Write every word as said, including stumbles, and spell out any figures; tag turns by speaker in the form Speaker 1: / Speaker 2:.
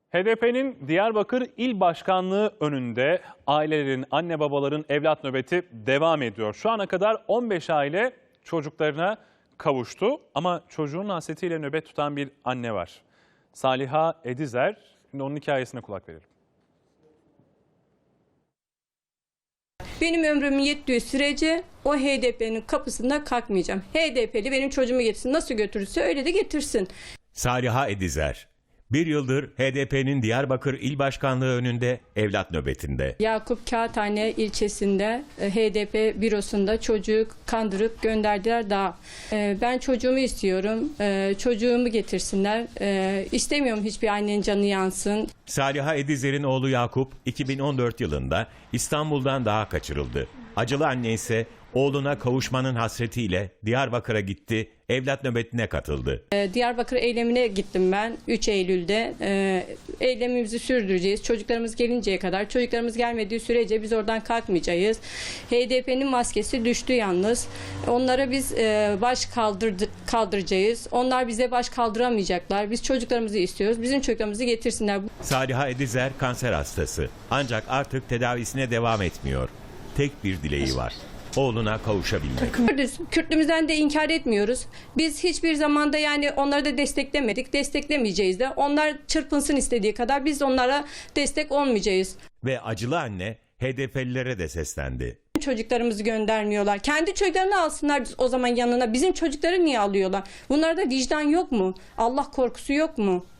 Speaker 1: H D P'nin Diyarbakır İl Başkanlığı önünde ailelerin, anne babaların evlat nöbeti devam ediyor. Şu ana kadar on beş aile çocuklarına kavuştu ama çocuğun hasretiyle nöbet tutan bir anne var. Saliha Edizer, şimdi onun hikayesine kulak verelim.
Speaker 2: Benim ömrüm yettiği sürece o H D P'nin kapısında kalkmayacağım. H D P'li benim çocuğumu getirsin. Nasıl götürürse öyle de getirsin.
Speaker 3: Saliha Edizer, bir yıldır H D P'nin Diyarbakır İl Başkanlığı önünde evlat nöbetinde.
Speaker 2: Yakup Kağıthane ilçesinde H D P bürosunda çocuğu kandırıp gönderdiler dağa. Ben çocuğumu istiyorum. Çocuğumu getirsinler. İstemiyorum hiçbir annenin canı yansın.
Speaker 3: Saliha Edizer'in oğlu Yakup iki bin on dört yılında İstanbul'dan dağa kaçırıldı. Acılı anne ise oğluna kavuşmanın hasretiyle Diyarbakır'a gitti, evlat nöbetine katıldı.
Speaker 2: Diyarbakır eylemine gittim ben üç Eylül'de. Eylemimizi sürdüreceğiz. Çocuklarımız gelinceye kadar, çocuklarımız gelmediği sürece biz oradan kalkmayacağız. H D P'nin maskesi düştü yalnız. Onlara biz baş kaldırdı, kaldıracağız. Onlar bize baş kaldıramayacaklar. Biz çocuklarımızı istiyoruz. Bizim çocuklarımızı getirsinler.
Speaker 3: Saliha Edizer kanser hastası. Ancak artık tedavisine devam etmiyor. Tek bir dileği var: oğluna kavuşabilmek.
Speaker 2: Kürtlüğümüzden de inkar etmiyoruz. Biz hiçbir zamanda yani onları da desteklemedik. Desteklemeyeceğiz de. Onlar çırpınsın istediği kadar biz onlara destek olmayacağız.
Speaker 3: Ve acılı anne H D P'lilere de seslendi.
Speaker 2: Çocuklarımızı göndermiyorlar. Kendi çocuklarını alsınlar o zaman yanına. Bizim çocukları niye alıyorlar? Bunlarda vicdan yok mu? Allah korkusu yok mu?